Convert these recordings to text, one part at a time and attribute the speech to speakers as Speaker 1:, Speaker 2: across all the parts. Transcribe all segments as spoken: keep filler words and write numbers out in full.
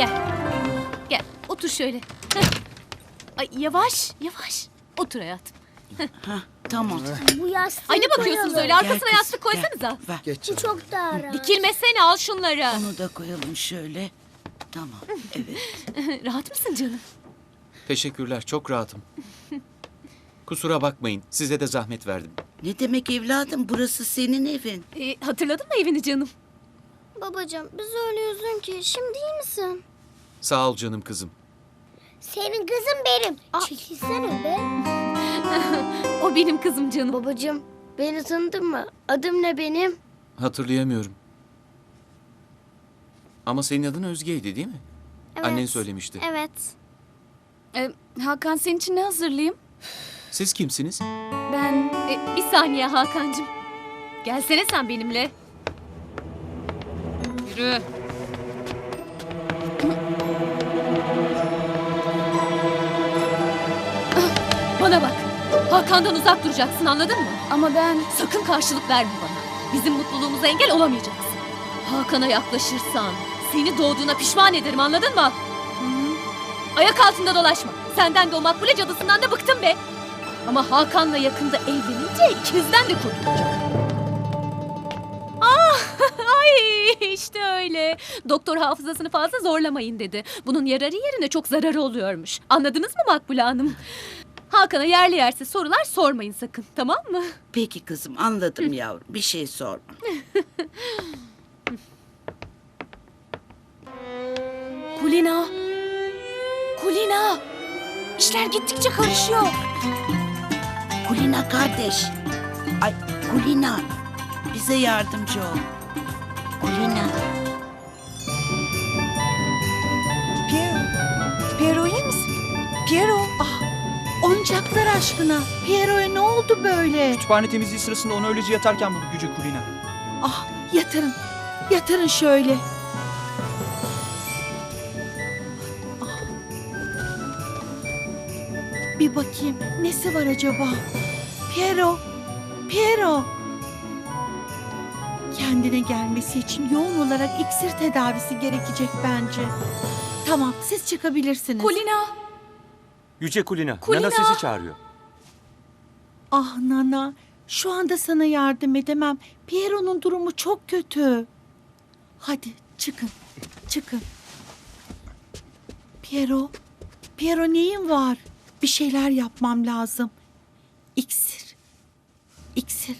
Speaker 1: Gel. Gel otur şöyle. Heh. Ay yavaş yavaş. Otur hayatım.
Speaker 2: Ha, tamam.
Speaker 3: Bu yastığı
Speaker 1: Ay ne bakıyorsunuz
Speaker 3: koyalım.
Speaker 1: öyle? Arkasına
Speaker 2: Gel
Speaker 1: yastık
Speaker 2: kızım,
Speaker 1: koysanıza.
Speaker 2: gel, ver.
Speaker 4: Geç
Speaker 3: Bu
Speaker 4: canım.
Speaker 3: çok daha rahat.
Speaker 1: Dikilmesene al şunları.
Speaker 2: Onu da koyalım şöyle. Tamam, evet.
Speaker 1: Rahat mısın canım?
Speaker 5: Teşekkürler, çok rahatım. Kusura bakmayın, size de zahmet verdim.
Speaker 2: Ne demek evladım, burası senin evin.
Speaker 1: Ee, hatırladın mı evini canım?
Speaker 3: Babacığım biz öyle üzgün ki. Şimdi iyi misin?
Speaker 5: Sağ ol canım kızım.
Speaker 3: Senin kızın benim. Çekilsene be.
Speaker 1: O benim kızım canım.
Speaker 3: Babacığım beni tanıdın mı? Adım ne benim?
Speaker 5: Hatırlayamıyorum. Ama senin adın Özge'ydi değil mi?
Speaker 3: Evet.
Speaker 5: Annen söylemişti.
Speaker 3: Evet.
Speaker 6: Ee, Hakan senin için ne hazırlayayım?
Speaker 5: Siz kimsiniz?
Speaker 6: Ben
Speaker 1: Ee, bir saniye Hakan'cığım. Gelsene sen benimle. Yürü. Bana bak. Hakan'dan uzak duracaksın anladın mı?
Speaker 6: ama ben
Speaker 1: Sakın karşılık verme bana. Bizim mutluluğumuza engel olamayacaksın. Hakan'a yaklaşırsan seni doğduğuna pişman ederim anladın mı? Ayak altında dolaşma. Senden de o makbule cadısından da bıktım be. Ama Hakan'la yakında evlenince ikinizden de kurtulacağım. Ah, ay işte öyle. Doktor hafızasını fazla zorlamayın dedi. Bunun yararı yerine çok zararı oluyormuş. Anladınız mı Makbule Hanım? Hakan'a yerli yersiz sorular sormayın sakın, tamam mı?
Speaker 2: Peki kızım, anladım yavrum. Bir şey sorma.
Speaker 6: Kulina. Kulina. İşler gittikçe karışıyor.
Speaker 2: Kulina kardeş. Ay, Kulina. Bize yardımcı ol. Kulina.
Speaker 7: Piero. Piero iyi misin? Piero. Ah, oyuncaklar aşkına. Piero'ya ne oldu böyle?
Speaker 8: Kütüphane temizliği sırasında onu öylece yatarken buldu Yüce Kulina.
Speaker 7: Ah, yatırın. Yatırın şöyle. Ah. Bir bakayım nesi var acaba? Piero. Piero. Kendine gelmesi için yoğun olarak iksir tedavisi gerekecek bence. Tamam, siz çıkabilirsiniz.
Speaker 6: Kulina.
Speaker 9: Yüce Kulina,
Speaker 6: Kulina!
Speaker 9: Nana sesi çağırıyor.
Speaker 7: Ah Nana, şu anda sana yardım edemem. Piero'nun durumu çok kötü. Hadi çıkın, çıkın. Piero, Piero neyin var? Bir şeyler yapmam lazım. İksir, iksir.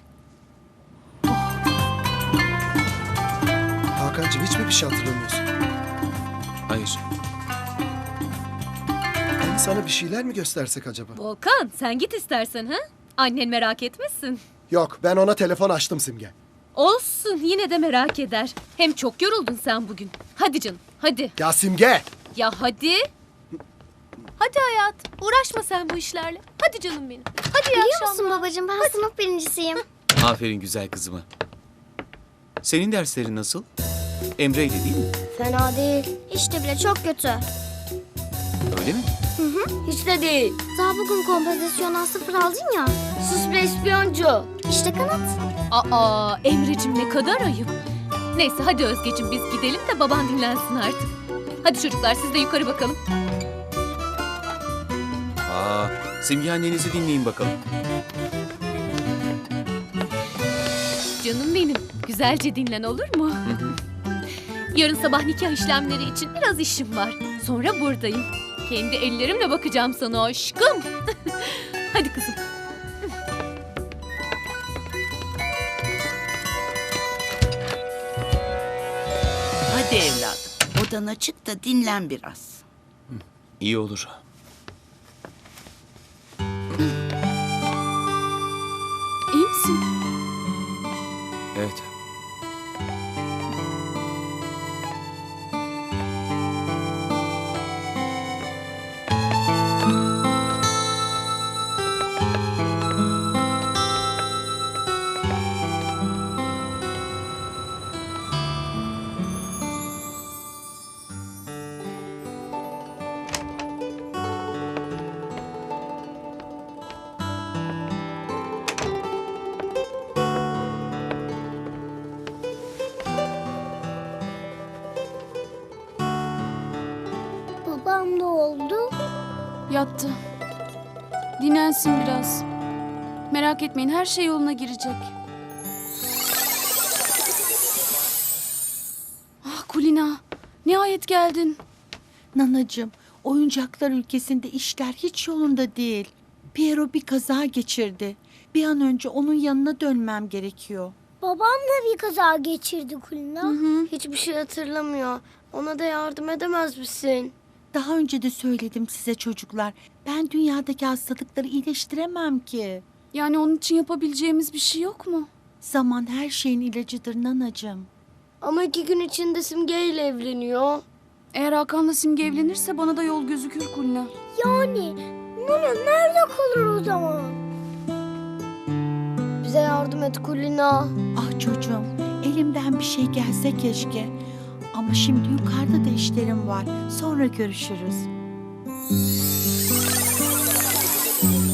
Speaker 4: Hakan'cığım hiç mi bir şey hatırlamıyorsun?
Speaker 5: Hayır.
Speaker 4: Hani sana bir şeyler mi göstersek acaba?
Speaker 1: Volkan sen git istersen ha? Annen merak etmesin.
Speaker 4: Yok, ben ona telefon açtım Simge.
Speaker 1: Olsun yine de merak eder. Hem çok yoruldun sen bugün. Hadi canım hadi.
Speaker 4: Ya Simge!
Speaker 1: Ya hadi. Hadi hayat. Uğraşma sen bu işlerle. Hadi canım benim. Hadi iyi
Speaker 3: Biliyor
Speaker 1: akşamlar.
Speaker 3: musun babacığım ben sınıf birincisiyim.
Speaker 5: Aferin güzel kızıma. Senin derslerin nasıl? Emre'ydi değil mi?
Speaker 3: Fena değil. Hiç de bile çok kötü.
Speaker 5: Öyle mi?
Speaker 3: Hiç de değil. Daha bugün kompozisyondan sıfır aldın ya. Sus be ispiyoncu. İşte kanat.
Speaker 1: Aa Emre'cim ne kadar ayıp. Neyse hadi Özgeciğim biz gidelim de baban dinlensin artık. Hadi çocuklar siz de yukarı bakalım.
Speaker 5: Aa, Simge annenizi dinleyin bakalım.
Speaker 1: Canım benim güzelce dinlen olur mu? Yarın sabah nikah işlemleri için biraz işim var. Sonra buradayım. Kendi ellerimle bakacağım sana aşkım. Hadi kızım.
Speaker 2: Hadi evladım, odana çık da dinlen biraz.
Speaker 5: İyi olur.
Speaker 6: İyi misin?
Speaker 5: Evet.
Speaker 6: yattı. Dinlensin biraz. Merak etmeyin, her şey yoluna girecek. Ah Kulina, nihayet geldin.
Speaker 7: Nanacığım, oyuncaklar ülkesinde işler hiç yolunda değil. Piero bir kaza geçirdi. Bir an önce onun yanına dönmem gerekiyor.
Speaker 3: Babam da bir kaza geçirdi Kulina. Hiçbir şey hatırlamıyor. Ona da yardım edemez misin?
Speaker 7: Daha önce de söyledim size çocuklar. Ben dünyadaki hastalıkları iyileştiremem ki.
Speaker 6: Yani onun için yapabileceğimiz bir şey yok mu?
Speaker 7: Zaman her şeyin ilacıdır nanacığım.
Speaker 3: Ama iki gün içinde Simge ile evleniyor.
Speaker 6: Eğer Hakan'la Simge evlenirse bana da yol gözükür Kulina.
Speaker 3: Yani Nana nerede kalır o zaman? Bize yardım et Kulina.
Speaker 7: Ah çocuğum, elimden bir şey gelse keşke. Ama şimdi yukarıda da işlerim var. Sonra görüşürüz.